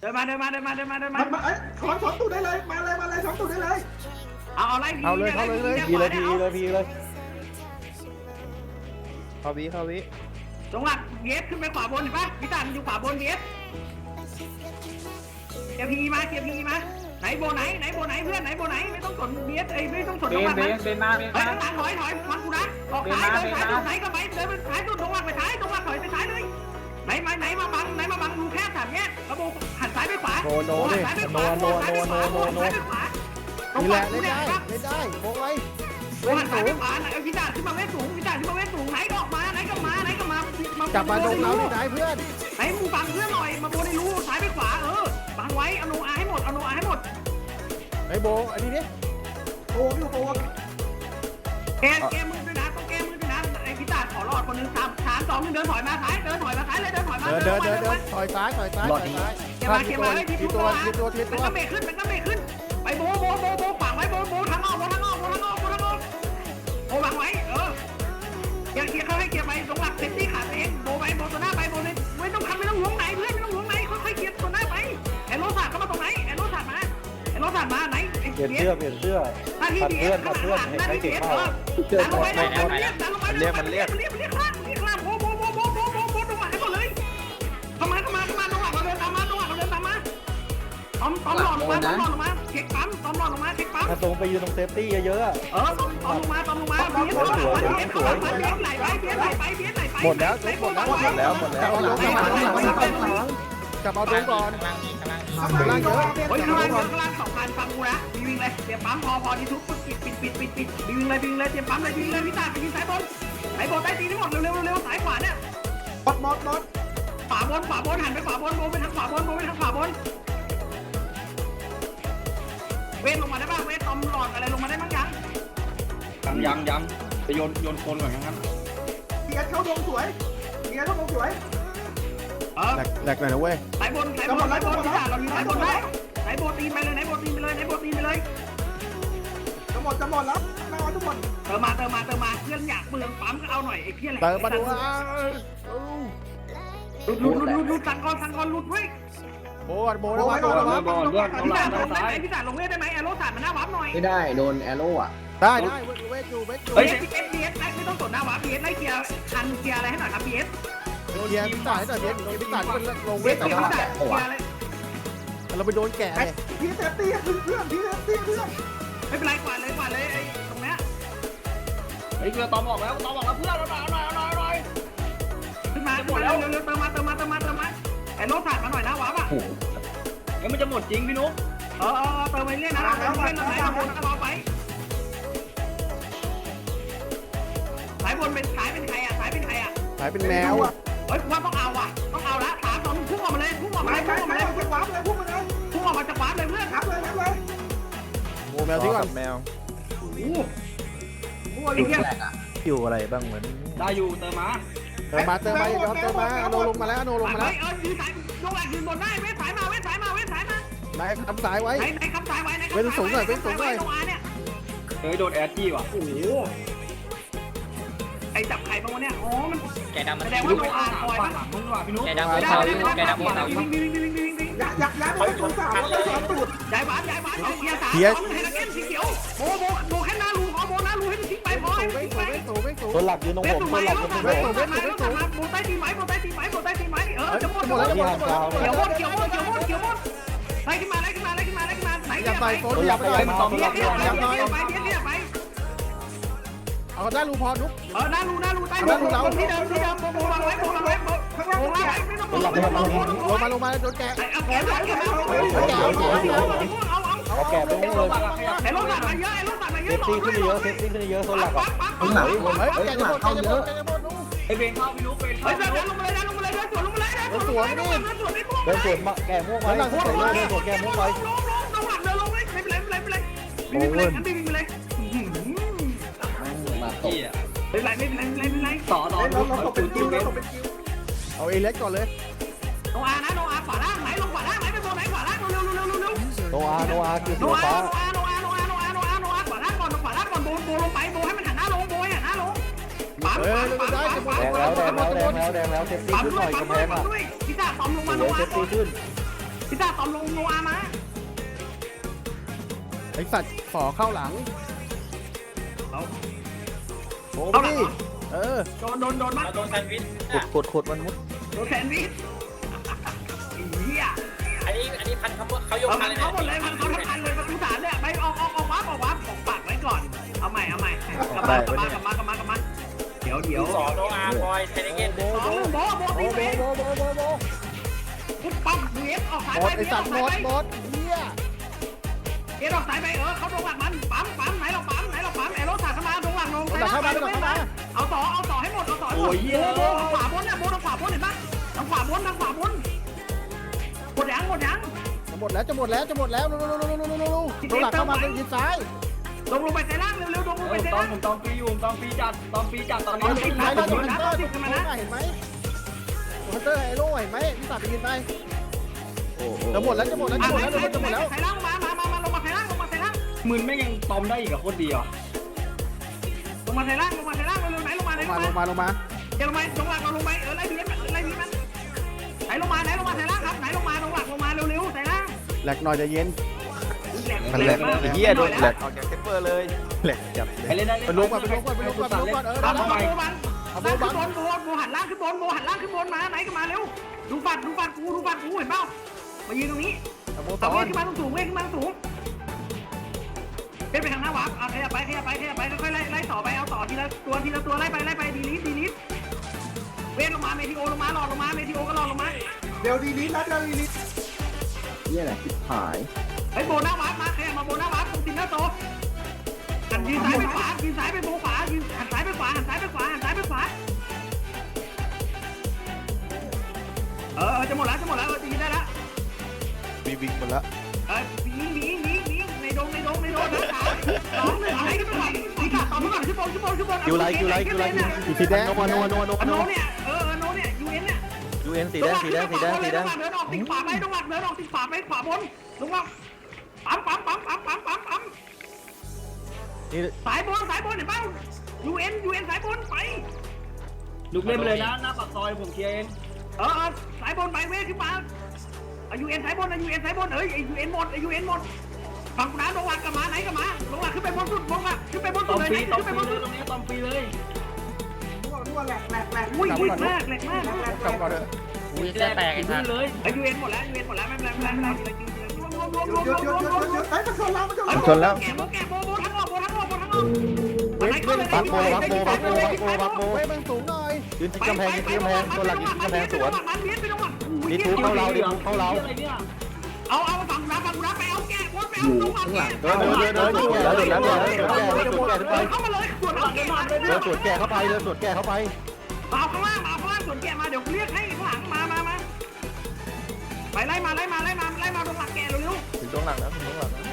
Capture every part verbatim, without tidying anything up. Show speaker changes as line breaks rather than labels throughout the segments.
ดินมาเดินมาเดินมาเดินมาเดินมา
มันมาเอ้ยถอนถอนตูดได้เลยมาเลยมาเลยถอนตูดได้เลย
เอาเอาไล่พี
เอาเลยเข้าเลยเลย
พีเลยพีเลยพีเลย
เข้าวิเข้าวิ
จงหลักเบียสขึ้นไปขวาบนเห็นปะพิจารณ์อยู่ขวาบนเบียสเกียร์พีมาเกียร์พีมาไหนโบไหนไหนโบไหนเพื่อนไหนโบไหนไม่ต้องสนเบียสเอ้ยไม่ต้องสน
เบ
จงห
น
ลัก
เบ
นะ
นเบนมาเบน
เฮ้ย
มา
ข้างหลังถอยถอยฟังกูนะออกซ้ายเดินซ้ายสุดไหนก็ไปเดินไปซ้ายสุดจงหลักไปซ้ายจงหลักถอยไปซ้ายเลยไหนมาไหนมาบังไหนมาบังดูแค่สามแยกกระโบหันซ้ายไปขวา
โนโนดิ
ซ้ายไปข
โน
วา
โนโนโนโนโน
ซ้ายไปขวา
นี่แหละเล่นได้เล่นได้โค้งไว้
โอ้หันซ้ายไปขวาไหนเอาพิจารณ์ขึ้นมาเวทสูงพิจารณ์ขึ้นมาเวทสูงไหนก็ออกมาไหนก็มาไหนก็มา
จับมาตรงเราที่ไหนเพื่อน
ไหนมึงบังเพื่อนหน่อยมาโบในรูซ้ายไปขวาเออบังไว้เอาโนอาให้หมดเอาโนอาให้หมด
ไอ้โบอันนี้ดิ
โอ้ยโอ้ย
แกแกมือด้วยนะต้องแกมือด้วยนะไอ้พิจารณ์ขอรอดคนหนึ่งสามสามสองหนึ่งเดินถอยมาซ้ายเดินถอยมาซ้ายเลยเดินถอยมา
เดินเดินเดินเดินถอยซ้ายถอยซ้ายถอยซ้าย
เก็บมาเก็บมาเลยที
ที
ตั
ตัว วทีตัวที
มัน
ตัว
ก็เบรกขึ้นมันก็เบรกขึ้นไปโบโบโบโบฝังไว้โบโบทางออกโบทางออกโบทางออกโบทางออกโบวางไว้เออเกียร์เกียร์เขาให้เกียร์ไปตรงหลักเซฟตี้ขาเองโบไปโบตัวหน้าไปโบเลยไม่ต้องทำไม่ต้องหวงไหนเพื่อนไม่ต้องหวงไหนค่อยๆเกียร์ตัวหน้าไปแอนโรสาดเข้ามาตรงไหนแอนโรสาดมาแอนโรสาดมาไหน
เปลี่ยนเสื้อเปลี่ยนเสื้อ
หน้าที่
พัน
เบี
เพื่
ย
อน
ร์
พันเพื่อนเห็นไหมเก่งมาก
ดันลงไปดันลงไปดันลงไปดันลงไปมันเรียกมันเรียกมันเรียกข้างมันเรียกข้างโบโบโบโบโบโบโบตรงหลังให้หมดเลยเข้ามาเข้ามาเข้ามาตรงหลังเราเดินตามมาตรงหลังเราเดินตามมาตอมตอมหลอดลงมาตอมหลอดลงมาเช็คปั๊มตอมหลอดลงมาเช็คปั๊ม
ถ้าตรงไปยืนตรงเซฟตี้เยอะๆ
เออตอมตอมลงมาตอมลงมาเบียร์เข้าหลังเบียร์เข้าหลังเบียร์ไหลไปเบียร์ไหลไปเบียร์ไหลไป
หมดแล้วหมดแล้วหมดแล้วหมดแล้วจับเอาลงก่อนล่างเยอะ
เฮ้ยข้างล่างข้างล่างสองพันฟังกูนะวิ่งเลยเตรียมปั๊มพอพอที่ทุกปิดปิดปิดปิดปิดวิ่งเลยวิ่งเลยเตรียมปั๊มเลยวิ่งเลยพี่ตาไปยิงสายบนสายบนใต้ตีนทั้งหมดเร็วเร็วเร็วสายขวาเนี่ย
มดมดมด
ขวาบนขวาบนหันไปขวาบนโบไปทางขวาบนโบไปทางขวาบนเวทลงมาได้ป่ะเวทตอมหลอดอะไรลงมาได้บ้างยัง
ยังยังจะโยนโยนคนก่อนนะครับ
เกียร์เข้าดงสวยเกียร์เข้าดงสวย
เออ
แหลกแหลกหน่อยนะเว้ย
สายบนสายบนสายบนพี่ตาเราอยู่สายบนได้สายบนตีนไปเลยสายบนตีนไปเลยสายบนตีนไปเลย
จะหมดจะหมดแล้วมาทุกคน
เติมมาเติมมาเติมมาเพื่อนอยากเมืองปั๊มก็เอาหน่อยไอ้เพี้ยนอะไร
เติมมาดูอ่ะ
หลุดหลุดหลุดหลุดหลุดสั่งก่อนสั่งก่อนหลุดเว้ย
โบโบแล้วมาโบแล้วมา
บอลเพื่อน
พี่
เรา
ตา
เรา
ลงได้
ซ้า
ไหม
ย
พี่ตาลงเวทได้ไหมแอโร่สาดมันหน้าวับหน่อย
ไม่ได้โดนแอโร่อะ
ได้ได้เวทอยู่เวทอยู่
เฮ้ยพีเอสพีเอสไม่ต้องสนหน้าวับพีเอสไล่เกียร์คันเกียร์อะไรให้หน่อยครับพีเอส
เกียร์พิษายหน่อยเกียร์พิษายที่มันลง
เว
เว
ท
ท
เกียร์
แต่
เกียร์อะไร
เราไปโดนแกะ
ไอ้
เลย
พี่เซฟตี้เพื่อนพี่เซฟตี้เพื่อน
ไม่เป็นไรกว่าเลยกว่าเลยไอ้ตรงเนี้ย
ไอ้เรือตอมออกแล้วตอมออกแล้วเพื่อนเราหน่อยหน่อยหน่อยหน่อย
ขึ้นมาขึ้นมาเร็วเร็วเติมมาเติมมาเติมมาเติมมาไอ้โร่สาดมาหน่อยหน้าวับอ่ะ
เอ้ยมันจะหมดจริงพี่นุ๊ก
เออเออเติมไปเรื่อยนะเราเติมไปไหนเราบนรอไปสายบนเป็นสายเป็นใครอ่ะสายเป็นใครอ่ะ
หายเป็นแมว
เฮ้ยว่าต้องเอาว่ะต้องเอาละสามสองพุ่งออกมาเลยพุ่งออกมา
ไป
เลย
ไป
พุ่งออก
ไป
มาเลย
ไปวาร์ปเลยพุ่งมาเลย
พุ่งออกมาจากวาร์ปเลยเพื่อน
ทับเลยทับเลย
โบแมวที่ก่อนแมว
มั่วอยู่
อยู่อะไรบ้างเหมือน
ได้อยู่เติมมา
เติมมาเติมมาย้อนเติมมาโนลงมาแล้วโนลงมาแล้ว
เออยืนสายลงหลังยืนบนได้เว้ยสายมาเว้ยสายมาเว้ยสายมา
ไหนทำสายไว้
ไหนไหนคำสายไว้ไหน
เว้นสูงหน่อยเว้นสูงหน่อย
ลงอาเนี่ย
เฮ้ยโดนแอดจี้ว่ะ
โอ้โหไอ้จับไข่บางวันเนี่ยอ๋อมัน
แกดำมัน
แสดงว่า
พี่
โน
นุ๊ก
อา
ห
คอย
ลังมึงว่ะพี่นุ๊ก
แกดำบนเขาแกดำบนเขา
วิ่งวิ่งวิ่งวิ่งวิ่งวิ่ง
อยากอยากย้ายไปสองสามแล้วสองตูด
ย้ายบ้านย้ายบ้านย้ายเกียร์สามเฮลเกนสีเขียวโบโบโบแค่หน้ารูขอโบหน้ารูให้มันทิ้งไปพอให้มัน
เว้
ทิ้ง
สู
ไป
เว้สูเว้สู
ตัวหลักยืนตรง
เว้
ผม
สู
ตัว
ไม้
หลัก
แล้
ยื
วน
ตรง
กลับ
ผม
มาแล้วกลับมาโบใต้ตีไม้โบใต้ตีไม้โบใต้ตีไม้เออจะหมด
หมดแล้วหมดแล้ว
เขียวหมดเขียวหมดเขียวหมดเขียวหมดไล่ขึ้นมาไล่ขึ้นมาไล่ขึ้นมาไล่ขึ้นมาไหน
อย่า
เนี่ย
ใส่
ไป
โฟนอย่าไปเลย
ตัวหลัก
เรียกเรียกไป
อย่าหน่อย
เรียกไปเรียกเรียกไป
เอาได้รูพอนุ๊ก
เออหน้ารูหน้ารูใต้รูที่เดิมที่เดิมโบโบวางไว้โบวางไว้โบข้างล่างวางไว้ไม่ต้องโบไม่ต้องโบไม่ต้องโบ
ลงมาลงมาโดนแกะ
เอาแขนเอาแขนเอาเอาเอา
เอาแกะไปนู่นเลย
ไอ้รถสั่งมาเยอะไอ้รถสั่งมาเย
เซ
อะ
ฟตี้ขึ้นเยอะเซฟตี้ขึ้นเยอะตัวหลักอ่ะ
ปั๊บปั๊บปั๊บ
เฮ้ยแกจะหมดแกจะหมดแกจะหมด
ไอ้เบนเข้าพี่นุ๊กเบน
เฮ้
เข้าย
เดินลงมาเลยเดินลงมาเลยเดินสวนลงมาเลยเดินสวนลงมาเลยเดินสวนไม่พุ่ง
เดินสวนมาแกะม่วงไว้เดินสวนเดินสวนแกะม่วงไว้
ลงลงลงหลังเดินลงเลยไม่เป็นไรไม่เป็นไรไม่เป็นไรไม่เป็นไรงั้นไม่เป็นไร
จี้อ่ะ
ไม่เป็นไรไม่เป็นไรไม่เป็นไร
ต่อต่อ
เรา
นุ๊ก
เราตกเป็นคิวเราตกเป็นคิว
เอาเอเล็กก่อนเลย
โนอานะโนอาขวาล่างไหนลงขวาล่างไหนไปโบไหนขวาล่างเร็วเร็วเร็วเร็วเร็ว
โนอาโนอาคือ
โน
สี
อา
ฟ้า
โนอาโนอาโนอาโนอาโนอาโนอาขวาล่างก่อนขวาล่างก่อนโบโบลงไปโบให้มันหันหน้าลงโบให้หันหน้าลงปั๊ม
เออ
ปั๊ม
ได้
ปั๊ม
จะหม
ปั๊
ด
ม
แดงแล้วแดงแล้วแดงแล้วแดงแล้วเซฟตี้
ปั๊ม
ขึ้น
ด้
ห
ว
น่
ย
อย
ปั๊ม
กำแพ
ด้วย
ง
ปั๊
อ่ะ
มด้วยพี่จ่าปั๊มลงมา
เห
โน
ลือ
อา
เซฟ
ก่อ
ตี้
น
ขึ้น
พี่ตาตอมลงโนอามา
ไอสัตว์ขอเข้าหลัง
เอา
โอ้
เอาหลัง
ดิเออ
โดนโดนโดนมา
โดนแซนด์วิช
กดกดกดมันมุด
โดนแซนด์วิชเหี้ย
อันนี้อันนี้พันเขาเขายก
เอา
พั
พั
น
น
เลย
เขาหมดเลยพันเขาทั้งพันเลยประตูสามเนี่ยไปออกออกออกวับออกวับของปากไว้ก่อนเอาใหม่เอาใหม่กลับมากลับมากลับมากลับมากลับมาเดี๋ยวเดี๋ยว
สอนโนอาร์บอยเทนเกน
โบ
สอง
โบ
โบโบ
โบ
ตี
โบ
ไป
โบโบโบโบ
ปุ๊บปั๊บเวฟออกสาย
หม
ไป
ดไอ
เวฟอ
สั
อ
ต
ก
ว์หม
สาย
ด
ไป
หมดเฮีย
เวฟออกสายไปเออเขาตรงหลังมันปั๊มปั๊มไหนเราปั๊มไหนเราปั๊มแอโรสาดเข้ามาตรงหลังลงเอาต่อเอาต่อให้หมดเอาต่อให้หมดโบโบขวาบนเนี่ยโบทางขวาบนเห็นปะทางขวาบนทางขวาบนหมดยังหมดยัง
จะหมดแล้วจะหมดแล้วจะหมดแล้วลูลูลูลูลูลูลูตัวหลักเข้ามาเป็นยิงซ้าย
ลงลงไปใส่ล่างเร็วๆลงลงไปใส่
ตอ
ล่าน ง
ผมตอนปีอยู่ตอนปีจัดตอนปีจัดตอน
เดี๋
นี้
ยวยิงซ้ายแล้วตัวฮันเตอร์ตัวฮันเตอร์เห็นไหมฮันเตอร์ไอโร่เห็นไหมพี่สัตว์ไปยิงไปจะหมดแล้วจะหมดแล้วจะหมดแล้วจะหมดแล้ว
ใส่ล่างมามามามาลงมาใส่ล่างลงมาใส่ล่าง
หมื่นไม่ยังตอมได้อีกกับโคตรดีอ่ะ
ลงมาใส่ล่างลงมาใส่ล่างเร็วๆไหนลงมาไหน
ล
ล
ง
ง
มา
มา
ลงมาลงมา
เดี๋ยวลงมาลงหลักเราลงไปเออไล่บีมันไล่บีมันไหนลงมาไหนลงมาใส่ล่างครับไหนลงมาลงหลักลงมาเร็วๆใส่ล่าง
แหลกหน่อยจะเย็น
มันแหลกมาก
เฮียโดนแหลกออกจากเซฟเฟอร์เลยแหลกจับ
ไปเล่นได้
ไปลงก่อนไปลงก่อนไปลงก่อนไปลงก่อนเออ
เอา
ได้
โบ
แล้ว
บังล่างขึ้นบนโบโบหันล่างขึ้นบนโบหันล่างขึ้นบนมาไหนก็มาเร็วดูฟัดดูฟัดกูดูฟัดกูเห็นเปล่ามายืนตรงนี้
โบ
เอา
ต
เว
อ
ท
น
ขึ้นมาสูงเวทขึ้นมาสูงเป็นไปทางหน้าวับเอาขยับไปขยับไปขยับไปค่อยๆไล่ไล่ต่อไปเอาต่อทีละตัวทีละตัวไล่ไปไล่ไปดีลิสดีลิสเวทลงมาเมทิโอลงมาหลอดลงมาเมทิโอก็หลอดลงมา
เดี๋ยวดีนี้นะเดี๋ยวดีนี้
เนี่ยแหละคิดหาย
ไอ้โบหน้าวับมาขยับมาโบหน้าวับตรงตินหน้าโตหันยืนซ้ายไปขวายืนซ้ายไปโบขวายืนหันซ้ายไปขวาหันซ้ายไปขวาหันซ้ายไปขวาเออจะหมดแล้วจะหมดแล้วจะยิงได้แล้ว
มีวิ่งหมดแล้ว
เออยิงยิงยิงยิงในดงในดงในดงนะขาสองหนึ่งอะไรกันไปก่อนพี่ขาต่อมาก่อนขึ้นบนขึ้นบนขึ้นบน
คิวไลคิวไลคิวไล
อีสีแดง
โนวาโนวาโนวาโน
อ
วา
โน
โน
เนี่ยเออโนเนี่ยยูเอ็นเนี่ย
ยูเอ็นสีแดงสีแดงสีแดงสีแดง
เดินออกติดขวาไปตรงหลักเดินออกติดขวาไปขวาบนลงมาปั๊มปั๊มปั๊มปั๊มปั๊มปั๊มปั๊ม
นี่
สายบนสายบนเห็นเปล่ายูเอ็นยูเอ็นสายบนไป
ลุกเล่นไปเลยนะหน้าปากซอยผมเคลียร์เอง
เออสายบนไปเว้ยขึ้นมายูเอ็นสายบนยูเอ็นสายบนเอ้ยยูเอ็นหมดยูเอ็นหมดฝั่งน้ำลงหลักกับมาไหนกับมาลงหลักขึ้นไปบนสุดลงหลักขึ้นไปบน
ต
สุ
อ
ด
ม
เลย
ปีตอม
ขึ้นไป
ปี
บน
เล
สุ
ย
ด
ตรงนี้ตอมปีเลย
รั่วรั่วแหลกแหลกแหลก
อุ้ยอุ้ยมากแหลกมาก
กลับก่อนเถอะ
อุ้ยแตกไอ้ท่านเลย
ไอยูเอ็นหมดแล้วยูเอ็นหมดแล้วไม่เป็นไรไม่เป็นไรไม่เป็นไรรวมรวมรวมรวม
หยุด
ร
หยุ
ว
ด
ม
หยุด
รวม
หยุดหยุดไอ้มันชนเรามันชนเรา
ชนแล้ว
แกโบแกโบโบทั้งออกโบทั้งออกโบทั้งออก
เว้ยเว้ย
บักโบบักโบบักโบบักโบบักโบ
เว้ยมันสูงหน่อย
ยืนที่กำแพงยืนที่กำแพงตัวหลักยืนที่กำแพงสวน นี่ทุบเข้าเราดิทุบเข้าเรา
อะไรเนี่ย
เอาเอาฝั่งน้ำฝั่งน้ำไปเอาแกโบไปเอาตรงหลังแก
เดินเดินเดินเดินสวนแก่แล้วเดินแล้วเดินแล้วเดินแก่เดินสวนแก่ขึ้นไป
เข้ามาเลยส่วนเอาแกมา
เดินสวนแก่เข้าไปเดินสวนแก่เข้าไป
เอาข้างล่างเอาข้างล่างส่วนแกมาเดี๋ยวเรียกให้ข้างหลังมามามาไปไล่มาไล่มาไล่มาไล่มาตรงหลังแกเร็ว
ถึงตรงหลังแล้วถึงตรงหลังแล้ว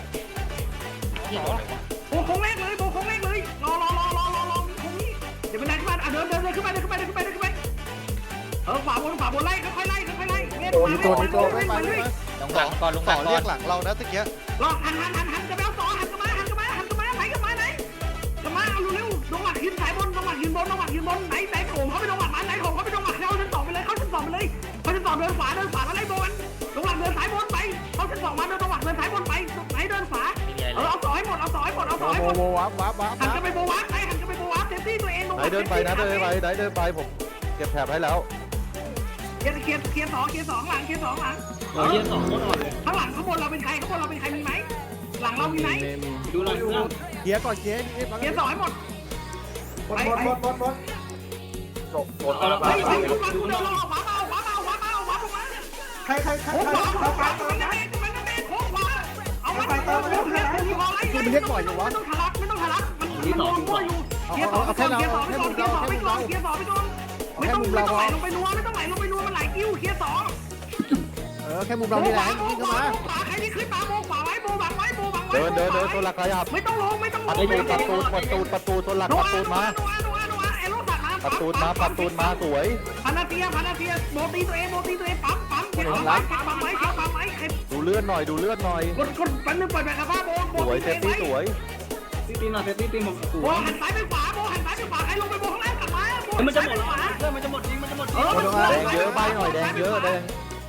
ๆโบโค้งแรกเลยโบโค้งแรกเลยรอรอรอรอรอรอโค้งนี้เดี๋ยวเป็นไรขึ้นมาเดินเดินเดินขึ้นไปเดินขึ้นไปเดินขึ้นไปเดินขึ้นไปเออขวาบนขวาบนไล่ค่อยๆไล่ค่อยๆไล่เล่น
โดน
มา
โดนโดน
เล่
ไม่
น
ไป
มาเรื่
ไม่
อย
ไป
ลงหลังก่อนลงหลังก่อน
เรียกหลังเรานะตะเกีย
รอหันหันหันหันจะไปเอาต่อหันกันมาหันกันมาหันกันมาไหนกันมาไหนกันมาเอาเร็วๆลงหลักยืนสายบนลงหลักยืนบนลงหลักยืนบนไหนไหนโถมเขาไปลงหลักมาไหนโถมเขาไปลงหลักเขาชั้นสองไปเลยเขาชั้นสองไปเลยเขาชั้นสองเดินขวาเดินขวาแล้วไล่โบนลงหลักเดินสายบนไปเขาชั้นสองมาเดินลงหลักเดินสายบนไปไหนเดินขวาเออเอาต่อให้หมดเอาต่อให้หมดเอาต่อให้
โบ
หมด
โบวับวับวับ
หันกันไปโบวับไหนหันกันไปโบวับเซฟตี้ตัวเองลง
ไหนเดินไปนะเดินไปไหนเดินไปผมเก็บแถบให้แล้ว
เคลียร์เคลียร์เคลียร์สองเคลียร์สองหลังเคลียร์สองหลัง
เออเยี่ยมสองคนอ่อนเลย
ข้างหลังข้างบนเราเป็นใครข้างบนเราเป็นใครมีไหมหลังเรามีไหม
ดูหลังดูหลัง
เกียร์ก่อนเกียร์นี่
เคลียร์สองให้หมด
หมดหมดหมดหมดหมด
หมด
เอาละ
เฮ้ยเฮ้ยดูมาดูเดินลงขวามาขวามาขวามาขวาลงมา
ใครใครใคร
โค้ง
ใคร
ขวา
ใคร
โค้ง
ใค
ข
ร
วา
ใคร
มันไม่ได้มันไม่ได้โค้งขวาเอามันเอามันเอามันเอามันไม่ต้องทะลักไม่ต้องทะลักมันมันโดนมั่วอยู่เคลียร์สองไปก่อนเคลียร์สองไปก่อนเคลียร์สองไปก่อนเคลียร์สองไปก่อนไม่ต้องไม่ต้องไหลลงไปนัวไม่ต้องไหลลงไปนัวมันไหลกิ้วเคลียร์สอง
เออแค่มุมเรานี่แหละยิงเข้ามา
ขวาใครที่ขึ้นมาโบขวาไว้โบบังไว้โบบังไว้
เดินเดินเดินตัวหลักขยับ
ไม่ต้องลงไม่ต้องล
ปั
ง
ดตูดปัดตูดปัดตูดปัดตูดตัวหลักปัดตูดมา
นัวนัวนัวเอโร่ตัดมา
ปัดตูดมาปัดตูดมาสวย
พันนาเทียพันนาเทียโบตีตัวเองโบตีตัวเองปั๊มปั๊มเก็บปั๊มไว้เก็บปั๊มไว้เก็บปั๊มไว้ใคร
ดูเลือดหน่อยดูเลือดหน่อย
กดกดปันนึงเปิดแบบกระเพาะโบโบ
สวยเซฟตี้สวย
ตีตีหน่อยเซฟตี้ตีผมส
โบ
วย
หันซ้ายไปขวาโบหันซ้ายไปขวาใครลงไปโบข้างล่างกลับมาโบ
มันจะหมดแล้วเพื่อนมันจะหมดจริงมันจะหมดจริง
แดงเยอะใบหน่อยแดงเยอะแดง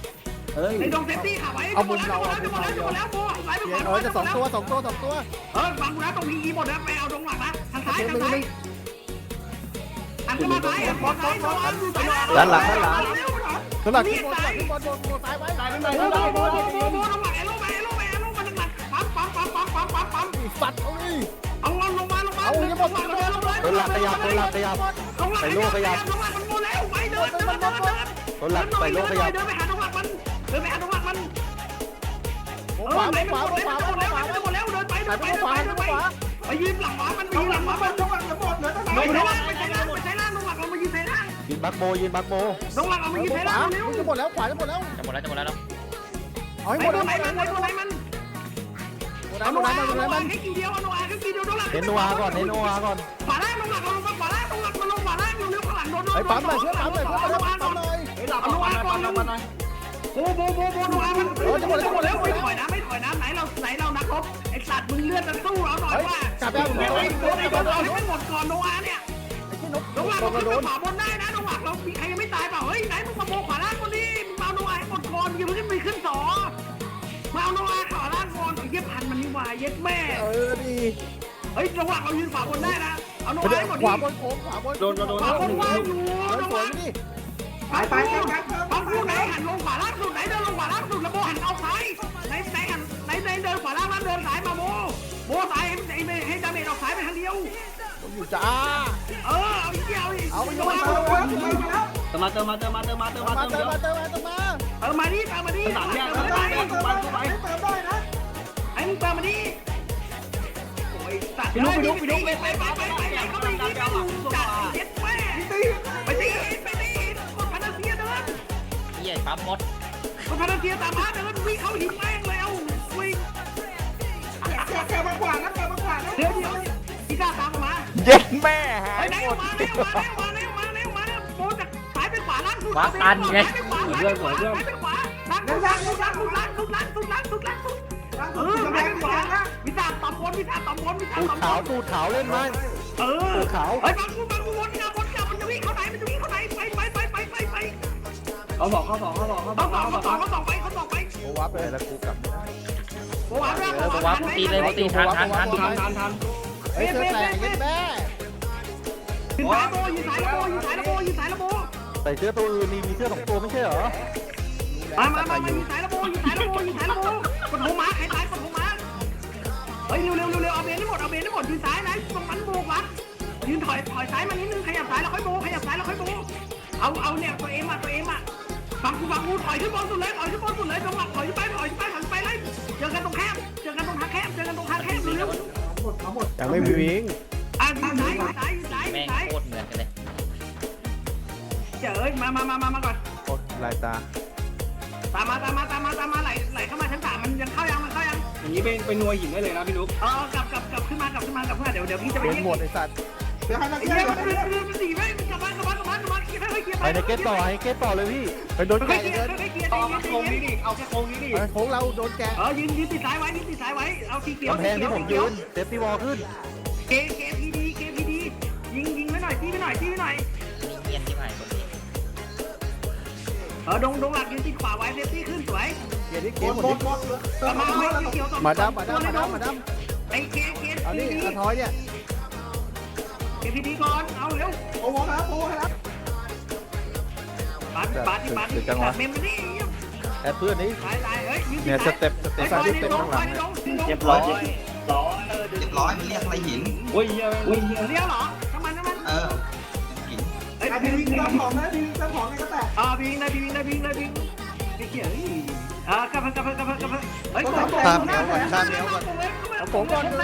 เอ้ย
ไอ้ดงเซฟตี้ขาไว้จะหมดแล้วจะหมดแล้วจะหมดแล้วโบไหลไปขวา
เออจะสองตัวสองตัวสองตัว
เออฟังกูนะตรงพีอีหมดนะไปเอาดงหลักนะทางซ้ายทางซ้ายหันขึ้นมาซ้ายหันขวาซ้ายขวาดูซ้าย
ด้านหลังด้านหลัง
สลักขึ้นบนสลักขึ้นบนบนบนซ้ายไว้
ตายไม่
โบ
ตาย
โบ
ไม่ตาย
โบโบโบลงมาเอโลมาเอโลมาเอโลมาลงมาปั๊มปั๊มปั๊มปั๊มปั๊มปั๊มปั๊ม
ฟัดเอาดิ
เอาลงมาลงมา
เอาอย่าหมดอย่าหมดอย่าหมด
ตัวหลักขยับตัวหลักขยับ
ลงมาลงมาลงมามันโมแล้วไปเดินเดินเดินเดิน
ตัวหลักไปโลกขยับ
เดินไปหาดงหลักมันเดินไปหาดงหลักมัน
ขวาขวาขวาขวา
หมดแล้วหมดแล้วเดินไปเดินไปเดินไปเดินไปไปยืนหลังหมามันไป
เอา
ยืน
ห
ห
ลั
ลั
ง
งห
มา
มา
เป็
มัน น
จังหวะจะหมดเหลือเท่าไหร่
ไม่ใช่ล่างไม่ใช่ล่างไม่ใช่ล่างดงหลักเรามายืนใส่ล่าง
ยืนบักโบยืนบักโบ
ดงหลักเรามายืน
ข
ใส่
วา
ล่างเร็ว
จะหมดแล้วขวาจะหมดแล้ว
จะหมดแล้วจะหมดแล้ว
เอาให้
ไอ้
หมด
ตัว
เอา
ไหนมันไอ้ตัวไหนมัน
หมด
เอา
หม
โน
ด
อา
หมด
โน
หม
อา
ด
แค่กี่เดียวเอาโนอาแค่กี่เดียวดงหลัก
เน้นนัวก่อนเน้นนัวก่อน
ขวาล่างดงหลักเราลงมาขวาล่างดงหลักมันลงขวาล่างเร็วๆข้างหลังโดน
ไอ้ปั๊มหน่อยเชื่อปั๊มหน่อยเชื่อปั๊มหน่อยปั๊มหน่อย
เฮ้ยหลับก่อนหลับก่อนหลับก่อนหน่อย
โบโบโบโบโนอามันไม่ถอยนะไม่ถอยนะไหนเราไหนเรานักรบไอ้สัตว์มึงเลือดจะสู้เราหน่อยว่า
จับแล้ว
ไอ้
โด
ไอ้
น
โดนไอ้โดนเอาให้มันหมดก่อนโนอาเนี่ย
ที่นก
ดงหลัก
โด
เรา
น
ขึ้น
โด
ไป
น
ขวาบนได้นะดงหลักเรามีใครยังไม่ตายเปล่าเฮ้ยไหนมึงมาโบขวาล่างคนนี้มึงเอาโนอาให้หมดก่อนอย่าเพิ่งขึ้นไปขึ้นสองมาเอาโนอาขวาล่างก่อนไอ้เย็บพันมันนี่วายเย็บแม่
เออดี
เฮ้ยดงหลักเรายืนขวาบนได้นะเอาโนอาให้หมด
ขวาบนโค้งขวาบน
โดนโดนโดน
ขวาบนว่างอยู่
เออ
ดง
ส
ห
ว
ลั
ย
ก
นี่
ไปไปไปไป
ปั๊มคู่ไหนหันลงขวาล่างสุดไหนเดินลงขวาล่างสุดแล้วโบหันเอาซ้ายไหนไหนหันไหนไหนเดินขวาล่างแล้วเดินซ้ายมาโบโบซ้ายให้ให้ให้ดาเมจออกซ้ายไปทางเดียว
อยู่จ้า
เออเอาอีกเดียวอีก
เอาไป
โย
โย
น
น
เอา
เอา
เ
เติมมาเติมมาเติมมาเติมมาเติมมา
มา
เติม
เติ
เติ
ม
ม
มาเติมมาเติมมา
ออมาดิตามมาดิ
สามแยก
เติม
สาม
มา
แย
ดิ
กทุกวันทุกวัน
เติมได้นะ
ไอ้มึงเติมมาดิโอ้ยสัตว์
ไปลุกไปลุกไปลุก
ไปไปไปไปไปเขาไปยิงกันจัดเย็ดแม่
ตี
ไปตีไปตีคนพานาเซียเดิน
เหี้ยปั๊มมด
คนพานาเซียตามมาเดินวิ่งเข้าหินแม่งแล้ววิ่ง
แกแกมากกว่านะแกมากกว่านะ
เดี๋ยวเดี๋ยวพี่กล้าตามมา
เย็ดแม่หา
ไอ้
ย
ไหน
หมด
มาเร็วมาเร็วมาเร็วมาเร็วมาโบจากสายไปขวาล่างสุด
ว้าตันไง
สายไปขวาสายไปขวาสายไปขวาล่างสุดล่างสุดล่างสุดล่างสุดล่างสุดล่างสุดล่างสุด
ล้าง
เอ
สุด
อ
จะ
ไป
แพ้
ข
ขวาว
า
นะ
วิชาต่ำบนวิชาต่ำบนวิชา
ตูด
ต่ำบ
ขาวน ตูดขาวเล่นไหม
เออ
ตูดขาว
เฮ้ยบางกูบางกูวนกลับวนกลับมันจะวิ่งเข้าไหนมันจะวิ่งเข้าไหนไปไปไปไปไปไป
เขาบอกเขาบอกเขาบอกเขาบ
เขา
อก
สอง
เขาบ
เขา
อก
สองเขาสองไปเขาสองไป
โอ้วับเลย
แล้วกูกลับ
โบวา
เออบอกว่าตีเลยบอกตีทันทันทัน
ทันทันทัน
เฮ้ยเธอแตกยันแม่
ยืนสายโบยืนสายระโบยืนสายระโบยืนสายระโบ
ใส่เสื้อตัวอื่นนี่มีเสื้อสองตัวไม่ใช่เหรอ
มามามายืนสายระโบยืนสายระโบยืนสายระโบกดหัวม้าใครตายกดหัวม้าเฮ้ยเร็วเร็วเร็วเร็วเอาเบนให้หมดเอาเบนให้หมดยืนสายนะตรงนั้นโบวัดยืนถอยถอยสายมานิดนึงขยับสายแล้วค่อยโบขยับสายแล้วค่อยโบเอาเอาเนี่ยตัวเอ็มอ่ะตัวเอ็มอ่ะฟังกูฟังกูถอยขึ้นบนสุดเลยถอยขึ้นบนสุดเลยตรงหลักถอยไปถอยไปถอยไปเลยเจอกันตรงแคบเจอกันตรงทางแคบเจอกันตรงทางแคบเร็ว
หมดทั้งหมด
ยังไม่มีวิ่ง
อ่ะยืนสายยืนสายยืนสายยื
แม่
น
ง
สาย
โคตรเหมือนกันเลย
เจ๋ยมามามามามาก่อน
โอ้ลายตา
ตามมาตามมาตามมาตามมาไหลไหลเข้ามาชั้นสามมันยังเข้ายังมันเข้ายัง
อย่างนี้เป็นเป็นนัวหินได้เลยนะพี่นุ๊ก
เออกลับกลับกลับขึ้นมากลับขึ้นมากลับขึ้นมาเดี๋ยวเดี๋ยวพี่จะไป
โดน
เรียก
หมดไอ้สัตว์
เดี๋ยวให้นัก
ไอ้
เรีย
เหี้ย
น
มันมันมันมันหนีไปกลับบ้านกลับบ้านกลับบ้านกลับบ้านเคลียร์ไปเคลียร์ไป
ไปในเกตต่อให้เกตต่อเลยพี่
ไปโดน
ไป
แกะ
เคลีย
เงิน
ร์ไปเคลียร์
เอา
ใจ
แค่โค้ง
เย็
นี้
น
ดิเอาแค่โค้งนี้ดิ
โค้งเราโดนแกะ
เออยืนยืนติดสายไว้ยืนติดสายไว้เอาสีเขียว
กำแพงที่ผมยืนเซฟตี้วอลขึ้น
เคเคพีดีเคพีดียิงยิงไว้หน่อยตีไว้หน่อยตีไว้หน่อย
มีเงียนที่ผ่านคนนี้
เออดงดงหลักยืนติดขวาไว้เซฟตี้ขึ้นสวย
เกียร์ที่
ห
เกี
ม
ยร์
ด
หมด
หมด
ดิ
หมดเติ
กลั
ม
บ
มา
มา
แล้
ไว้
ว
เขียวสอง
มาดามมาดามมาดามมาดาม
ไอ้เคเค
เอานี่
พีดี
กระท้อยเนี่ย
เคพีดีก่อนเอาเร็ว
โอ้โหครับโอ้โหครับ
ปาดปาดที่ปาดที่ตัดเมมมาดิ
แอดเพื่อนนี้
ตายตายเฮ้ยยืน
เนี่ยสเต็ปสเต็ป
สาย
สเต็ปข้างหลัง
เรียบร้อยร้อย
เรียบร้อยมันเรียกอะไรหิน
โอ้ยเหี้ยโอ้ยเหี้ย
เลี้ยวเหรอน้ำมันน้ำมัน
เออหิน
เฮ้ย
ไอ้พีวิ่งเติมของนะพีวิ่งเติมของในกระแตก
อ่าพิงนะพิงนะพิงนะพิงไอ้เหี้ยอ่ากลับกลับกลับกลับกลับเฮ้ย
เอาผมก่อนเลย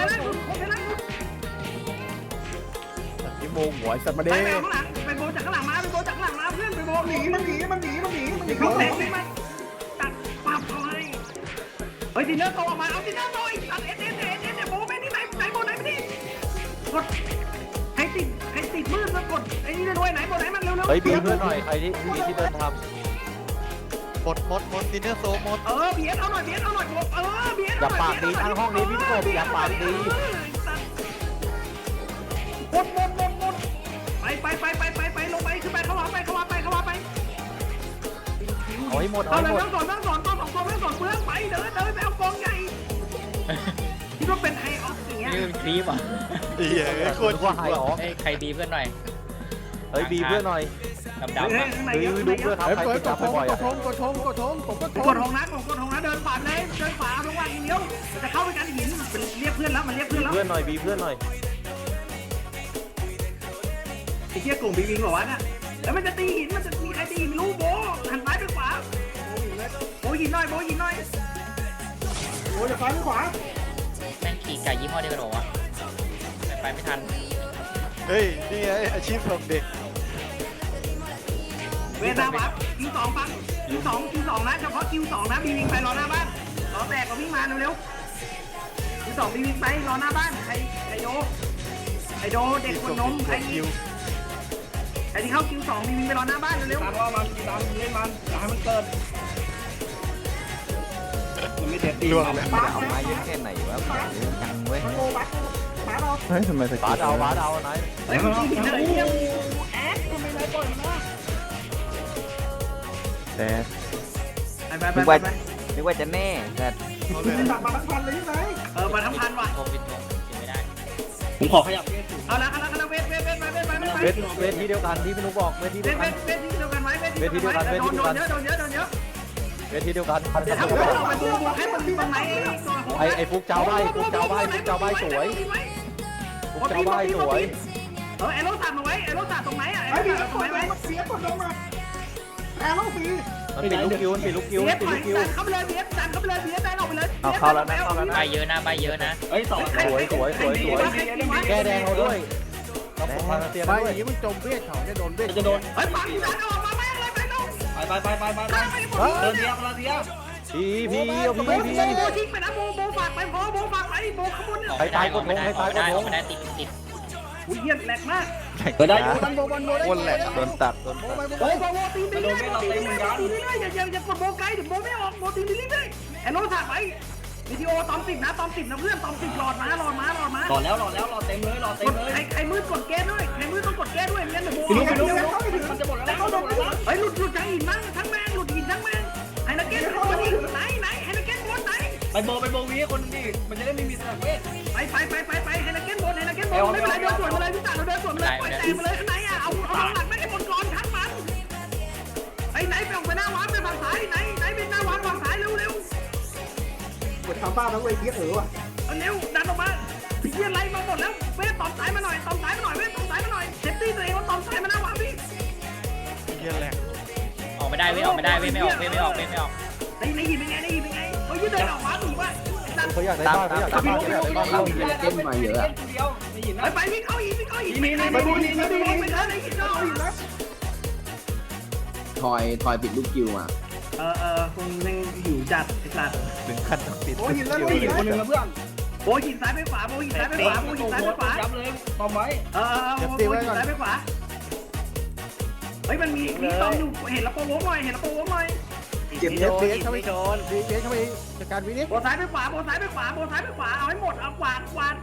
ที่โมงหัวสัตว์มา
ไป
เด้
ไปข้างหลังไปโบจากข้างหลังมาไปโบจากข้างหลังมาเพื่อนไปโบ
หนีมันหนีมันหนีมันหนีมันหนี
เขา
เขา
เตะ
เตะ
นี่มันตัดปับเขาให้เฮ้ยดินเนอร์โตออกมาเอาดินเนอร์โตอีกตัดเอสเอสเอสเอสโบไปนี่ไหนไหนโบไหนไปนี่กดให้ติดให้ติดมือแล้วกดไอ้นี่ด้วยไหนโบไหนมันเร็วเร็ว
เฮ้ยบีเพื่อนหน่อยใครที่ที่ที่เดินทำ
หมดหมดหมดดินเนอร์โซหมด
เออเบียดเอาหน่อยเบียดเอาหน่อยเออเบียด
อย่าปากดีทางห้องนี้พี่กบอย่าปากดี
หมดหมดหมดหมดไปไปไปไปไปไปลงไปขึ้นไปเข้ามาไปเข้ามาไปเข้ามาไป
เอาให้ให้หมดเอา
เอา
ให้
เลย
หมด
ต้องสอนต้องสอนต้องสองตัวต้องสอนเปลืองไปเดินเดินไปเอากองใหญ่คิดว่าเป็นไฮออฟอย่างเงี้ย
นี่เป็นคลิปอ่ะ
เหี้ยโคตร
ว่าหายออก
เฮ้ยใครดีเพื่อนหน่อย
เฮ้ยบีเพื่อนหน่อย
ดำดำ
เฮ้ย
อ่ะ
ข้างใน
เฮ้ย
เยอะ
ดู
ข้างใน
เพื่
เย
อน
อะ
ครับใคร
เฮ้ย
ติด
กด
ตาม
ทง
บ่อย
ก
ๆ
ด
อ่ะ
ทงกดทงกดทงผมก็ท
ก
ง
ดของนะกดของนะเดินขวาเลยเดินขวาลงวางเลี้ยวจะเข้าไปกันหินเรียกเพื่อนแล้วมันเรียกเพื่อนแล้ว
เพื่อนหน่อยบีเพื่อนหน่อย
ไอ้เชี่ยกลุ่มบีวิงบอกว่าน่ะแล้วมันจะตีหินมันจะมีใครตีหินรู้โบหันซ้ายไปขวาโบหินหน่อยโบหินหน่อย
โอ้ยจะซ้ายหรือขวา
แม่งขี่ไก่ยี่ห้อเดียวกันหรอวะไปไม่ทัน
เฮ้ยนี่ไงอาชีพของเด็ก
เวลาวัดคิวสองปังคิวสองคิวสองนะเฉพาะคิวสองนะบีวิงไปรอหน้าบ้านรอแตกก็วิ่งมาเร็วๆคิวสองบีวิงไปรอหน้าบ้านใครใครโดไอโดเด็กคนนมใครไอที่เข้าคิวสองบีวิงไปรอหน้าบ้านเร็ว
ตามว่ามันตามเล่นมันอย่าให้มันเกิดมันไม่เด็ดตี
ล่วง
มัน
แล้ว
ป้า
เอามาเยอะแค่ไหนวะยังเว้ย
โอ้บัสป้าเรา
เฮ้ยทำไมส
บาสเอาบาสเอาไหน
ๆเฮ้ยมันตีหินอะไรเนี่ยแอดทำไมนายปล่อยมันวะ
แต่
ไปไปไปไป
นึกว่าจะแน่แต่
เอาเลย
ตัดมาทั้งพันเลยใช่ไหม
เออมาทั้งพันว่ะ
ทงปิดทงกินไม่ได้
ผมขอขยับเพื่อน
เอาละเอาละเอาละเวทเวทเวทไปเวทไปเวทไป
เวทเวทที่เดียวกันที่พี่นุ๊กบอกเวทที่
เว
เดียว
ท
กัน
เวทที่เดียวกันไว้เวทที่เดียวกันไว้โดนโดนเยอะโดนเยอะโดนเยอะ
เวทที่เดียวกัน
เดี๋ยวถ้าผมเอาไปดูให้มันมีตรงไหน
ไอไอฟุกเจ้าใบฟุกเจ้าใบฟุกเจ้าใบสวยฟุกเจ้าใบสวย
เออไอ้รถตัดมาไว้ไอ้รถตัดตรงไหนอ่ะ
ไอ้
ไอ้
พี่
รถ
ก
ตัดตรง
ด
ไหน
ล
ไว้
งมาเสียกดลงมาแอร์ลงฟรี
มันปิดลูกคิวมันปิดลูกคิว
เบี
มั
ย
น
ด
ปิด
ถอ
ลู
ย
กคิว
ดันเข้าไปเลยเบียดดันเข้าไปเลยเบียดดันออกไปเลย
เอาเข้าแล้วนะเข้าแล้วนะ
ใบเยอะนะใบเยอะนะ
เฮ้ยสอง
สวยสวยสวยสวยแก้แดงเราด้วยเราผมมาเตียน
ไป
ด้ว
อย ย่างนี้มึงจมเวทเขาจะโดนเวท
จะโดน
เฮ้ยปังดันออกมาแม่งเลยไปน้อง
ไปไปไปไปไปเดินเดียวเดินเดียว
พีพีเอาพี
โบ
พี
โบทิ้งไปนะโบโบฝากไปพอโบฝากไปโบขบวน
ออกไม่ได้ออกไม่ได้ออกไม่ได้ออกไม่ได้ติดติด
อุ้ยเยี่ยมแหลกมาก
เดินได้อยู่
บันโบบันโบได้
วนแหละ
โดนตัดโดน
โบ
ตัด
ไปโบ
โบ
ไป
โบโบตีตีเรื่อยโบตีเรื่อยตีเรื่อยอย่าอย่าอย่ากดโบไกลเดี๋ยวโบไม่ออกโบตีเรื่อยไอ้รถฝากไปวิดีโอตอมติดนะตอมติดนะเพื่อนตอมติดหลอดมาหลอดมาหลอดมา
หล่อแล้วหล่อแล้วหล่อเต็มเลยหล่อเต็มเลย
ใครใครมืดกดแก้ด้วยใครมืดต้องกดแก้ด้วยไม่งั้นเดี๋ยวโบ
พี่นุ๊กพี่นุ๊กพี่นุ๊กมันจะหมดแล้วเขาจะหมดแล้ว
เฮ้ยหลุดหลุดทั้งหินมั้งทั้งแมงหลุดหินทั้งแมงไฮนักเก็ตบนนี่ไหนไหนไฮนักเก็ตบนไหน
ไปโบไปโบวีคนนี้มันจะได้ไม่มีสนามเวท
ไปไปไปไปไปไฮนักเก็ตบนไฮนักเก็ตบนไม่เป็นไรเดินสวนมาเลยพี่ตาเราเดินสวนมาเลยปล่อยแตกมาเลยข้างในอ่ะเอาเอาหลังไม่ให้บนก่อนทั้งมันไอ้ไหนไปออกไปหน้าวัดไปฝั่งซ้ายไหนไหนไปหน้าวัดฝั่งซ้ายเร็วเร็ว
กดทำบ้าทั้งเวทีเออว่ะ
เร็วดันออกมาพี่เยี่ยไรมาหมดแล้วเว้ยตอมสายมาหน่อยตอมสายมาหน่อยเว้ยตอมสายมาหน่อยเซฟตี้ตัวเองว่าตอมสายมาหน้าวัดพี่
เหี้ยแหลก
ออกไม่ได้เว้ยออกไม่ได้เว้ยไม่ออกเว้ยไม่ออกเว้ยไม่ออก
ในในหินเป็นไงในหินเป็นไงเฮ้ยยืดเดินออกมาหนีว่าไอ้สัตว์
เขาอยากได้บ้านเขาอยากได้บ้านเขาอยากได้บ้านเรา
เต้นมาเยอะเดียวไม่หินนะ
ไปไปวิ่งเข้าหินวิ่งเข้าหินไปไปไปไปไปไปเดินในหินเข้าหินแล้ว
ทอยทอยปิดลูกคิวมา
เออเออคงยังหิวจัดไอ้สัตว์
ถึงขั้นต้องปิด
โอ้ยหินแล้ว
ไม่หินคนหนึ่งนะเพื่อน
โบหินซ้ายไปขวาโบหินซ้ายไปขวาโบหินซ้ายไปขวา
ย้ำเลยตอมไว้
เออเออโบหินซ้ายไปขวาเฮ้ยมันมีมีตอมอยู่เห็นแล้วโปรโวหน่อยเห็นแล้วโปรโวหน่อย
เก็บเบียดเบียดเข้าไปโดนเบียดเบียดเข้าไปจัดการวินิจ
โบซ้ายไปขวาโบซ้ายไปขวาโบซ้ายไปขวาเอาให้หมดเอากวาดกวาด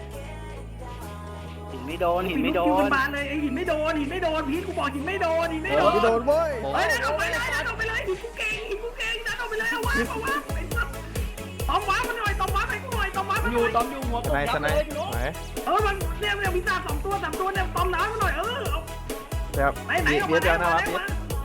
หินไม่โดนหินไม่โด
หิ
น
นบานเลยไอหินไม่โดนหินไม่โดนพีทกูบอกหินไม่โดนหินไม่โดน
ไม่โดนเว้ย
เฮ้ยดันออกไปเลยดันออกไปเลยหินกูเก่งหินกูเก่งดันออกไปเลยเอาวะเอาวะไอ้สัตว์ตอมว้ามันหน่อยตอมว้าให้กูหน่อยตอมว้ามัน
อ
ห
ยู่
น่อย
ตอมอยู่หัว
สไนสไนไหน
เออมันเนี่ยเนี่ยมีตาสองตัวสามตัวเนี่ยตอมน้ำมันหน่อยเออ
แบบ
ไหนไหนออก
เบี
มาย
ด
ไหน
เดียว
ออก
นะ
มา
ครับ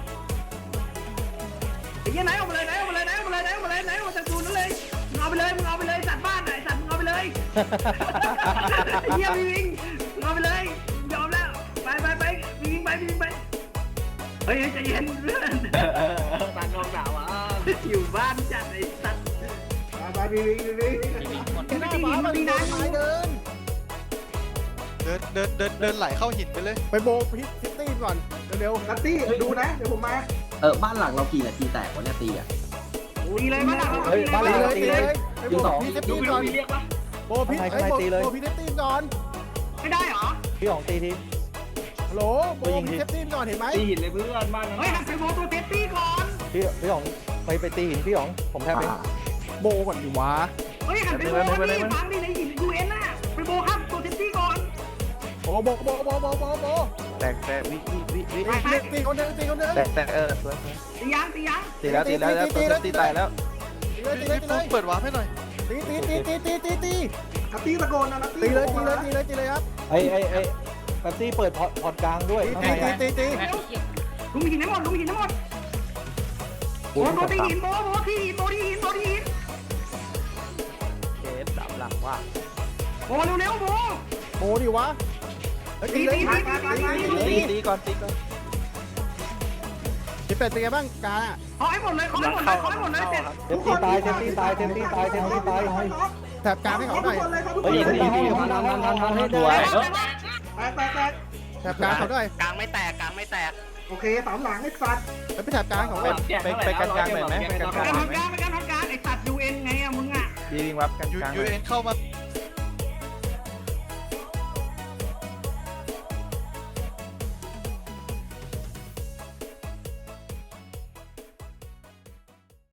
ไอ้ยี่ไหนออกมาเลยไหนออกมาเลยไหนออกมาเลยไหนออกมาเลยไหนออกมาจากตูนนั่นเลยมึงเอาไปเลยมึงเอาไปเลยสัตว์บ้านไหนสัตว์มึงเอาไปเลยไอ้เหี้ยวิ่งมึงเอาไปเลยยอมแล้วไปไปไปวิ่งไปวิ่งไปเฮ้ยใจเย็นเพื่อน
ตันกองหนาวอ่ะ
อยู่บ้านจัดไอ้สัตว์
ไปบีบีบี
ทีวีหมด
ไม่ตีหินมันมีนานอยู่
เดิน
เดินเดินเดินเดินไหลเข้าหินไปเลย
ไปโบพิซิตี้ก่อนเร็ว
นัตตี้ดูนะเดี๋ยวผมมา
เออบ้านหลังเรากี่นาทีแตกวะเนี่ยตีอ่ะ
ตีเลยบ้านหลัง
ๆเฮ้ยมาเลยตีเลยไปโบพิซิ
ดู
ตี้
ไป
ก่
ดู
อน
มีเรียกปะ
โบพิโบพิซิตี้ก่อน
ไม่ได้หรอ
พี่ของตีที
ฮัลโหลโบพิซิตี้ก่อนเห็นไหม
ตีหินเลยเพื่อนบ้านนั้น
เฮ้ยหันไปโมตัวเซฟตี้ก่อน
พี่พี่ของไปไปตีหินพี่ของผมแทบเอง
โบก่อนดิวะ
เฮ้ยหันไปโมนี่ฟังดิในหินยูเอ็นน่ะไปโมครับตัวเซฟตี้ก่อน
โบโบโบโบโบโบโบ
แตก
กแตกวิวิวิวิวิตีคนเดินตีคนเดิน
แตกแตกเออสวย
ตียังตียัง
ตีแล้วตีแล้วแล้วตีตายแล้ว
ตีเลยตีเลยตีเล
ฟุก
ย
เปิดวาร์ปให้หน่อย
ตีตีตีตีตีตีตี
นัตตี้ตะโกนนะนัต
ตี
ตี้
เลยตีเลยตีเลยตีเลยครับ
ไอ้ไอ้ไอ้แป๊บซี่เปิดพอร์ตพอร์ตกลางด้วย
ตีตีตีตี
ลุงหินให้หมดลุงหินให้หมดโบโบตีหินโบโบที่หินโบที่หินโบที่หิน
เคสสามหลังว่า
โบเร็วเร็วโบ
โมดิวะตีเลยตี
ตีตีก่อนตีก่อน
ตีเป็ดเป็นไงบ้างกา
ขอให้หมดเลยขอให้หมดเลยขอให้หมดเลยเสร็จ
เทมตีตายเทมตีตายเทมตีตายเทมตีตาย
แถบกาให้เขาหน่อย
เฮ้ยตีตีทันทันทันทันทันให้ด้วย
แตกแตกแตก
แถบกาเขาด้วย
กลางไม่แตกกลางไม่แตก
โอเคสามหลังไอ้สัตว์
แล้วไปแถบกาของ
ไป
มัน
ไปกันกลางหน่อยไหมไปกันก
ไป
ลาง
การทำการไปการทำการไอ้สัตว์ยูเอ็นไงอะมึงอะ
ดีวิ่งวับกัน
ยู
กลาง
ยูเอ็นเข้ามา